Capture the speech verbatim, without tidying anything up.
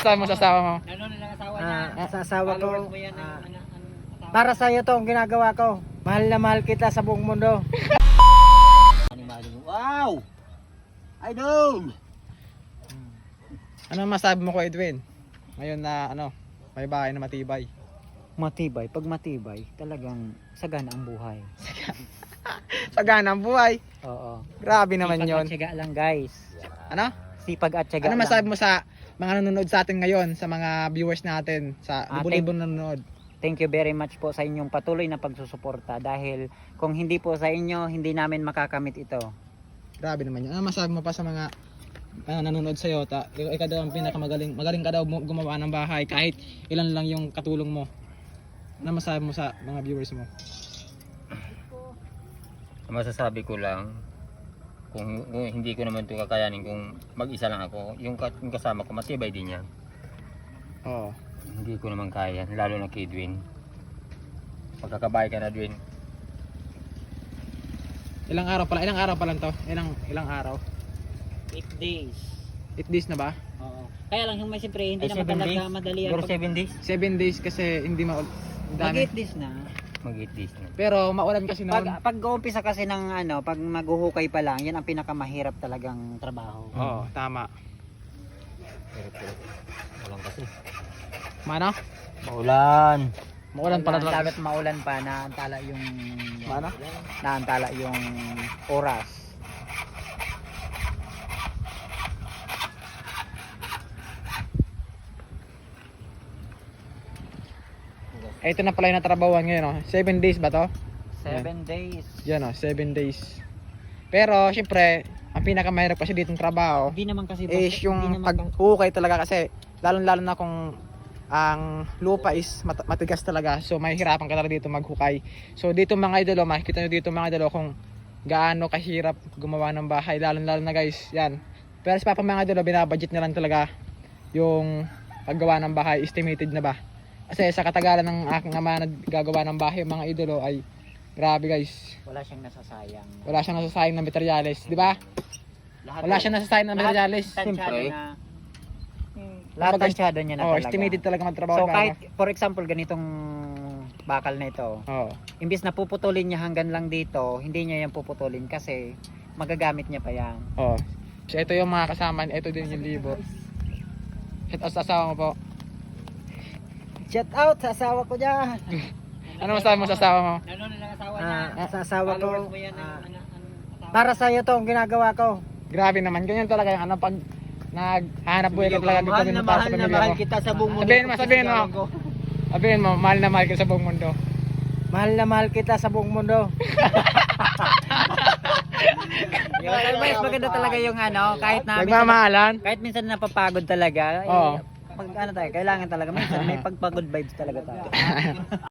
masasabi mo sa asawa mo? Ano na lang asawa niya? Ah, sa asawa ko, Followers mo yan ng ah, ano, ano, asawa. para sa iyo 'to ang ginagawa ko. Mahal na mahal kita sa buong mundo. Animado mo. Wow! Idol! Ano masabi mo ko, Edwin? Ngayon na ano, may bahay na matibay. Matibay, pag matibay, talagang sagana ang buhay. Sagana ang buhay. Oo. Grabe naman Sipag yon. at tiyaga lang, guys. Ano? Sipag at tiyaga Ano lang. masabi mo sa mga nanonood sa atin ngayon, sa mga viewers natin, sa Ah, libo-libo nanonood? Thank you very much po sa inyong patuloy na pagsusuporta dahil kung hindi po sa inyo, hindi namin makakamit ito. Grabe naman yun. Ano masabi mo pa sa mga uh, nanonood sa'yo? Ta, ikaw, ikaw daw ang pinakamagaling. Magaling ka daw mo- gumawa ng bahay kahit ilan lang yung katulong mo. Ano masabi mo sa mga viewers mo? Masasabi ko lang, kung, kung hindi ko naman ito kakayanin, kung mag-isa lang ako, yung, ka- yung kasama ko, matibay din yan. Oo. Hindi ko naman kaya, lalo na kay Edwin. Pagkakabay ka na, Edwin. Ilang araw pala? Ilang araw pa lang to? Ilang, ilang araw? eight days. eight days na ba? Oo. Kaya lang yung may siyempre, hindi Ay, naman seven talaga days? madali Siguro ang seven days? seven days kasi hindi ma... Mag Dami. eight days na. Mag eight days na. Pero maulan kasi noon. Pag pag uumpisa kasi ng ano, pag maghuhukay pa lang, yan ang pinakamahirap talagang trabaho. Oo, tama. Pero, pero, walang kasi. Mano? Maulan. Maulan pala talaga. Dapat maulan pa, naantala yung Mano? naantala yung oras. Eh, ito na pala yung natrabawan ngayon, oh. seven days ba to? Seven days. Yan, oh, seven days. Pero, syempre, ang pinakamahirap kasi ditong trabaho Hindi naman kasi is hindi yung naman kasi- paghukay talaga kasi lalong-lalo na kung ang lupa is mat- matigas talaga, so mahihirapan ka talaga dito maghukay. So dito mga idolo, makikita nyo dito mga idolo kung gaano kahirap gumawa ng bahay, lalong-lalo na guys, yan. Pero sa papa mga idolo, binabudget na lang talaga yung paggawa ng bahay, estimated na ba. Kasi sa katagalan ng aking ama na gagawa ng bahay mga idolo ay grabe guys, wala siyang nasasayang. wala siyang nasasayang na materyales, di ba? Lahat Wala siyang nasasayang na materyales. Siyempre. Na, lahat Kumbaga, tansyado niya na Oh, talaga. estimated talaga magtrabaho. So ng kahit for example ganitong bakal na ito, oh. imbis na puputulin niya hanggang lang dito, hindi niya yan puputulin kasi magagamit niya pa yan. Oh. So ito yung mga kasama, ito din yung libo. Shout out sa asawa mo po. Shout out sa asawa ko dyan. Ano masabi mo sa asawa mo? Ano na lang asawa Ah, sa asawa ko, Followers mo yan ng ah, ano, ano, asawa. para sa iyo 'to ang ginagawa ko. Grabe naman, ganyan talaga yung ano pag naghanap buhay ka talaga mahal na mahal na mahal kita sa buong mundo. Sabihin mo, sabihin mo. Sabihin mo, mahal na mahal ka sa buong mundo. Mahal na mahal kita sa buong mundo. Yung mas maganda talaga yung ano, kahit na minsan, Nagmamahalan? kahit minsan napapagod talaga, Oo. eh, pag ano tayo, kailangan talaga minsan may pagpagod vibes talaga tayo.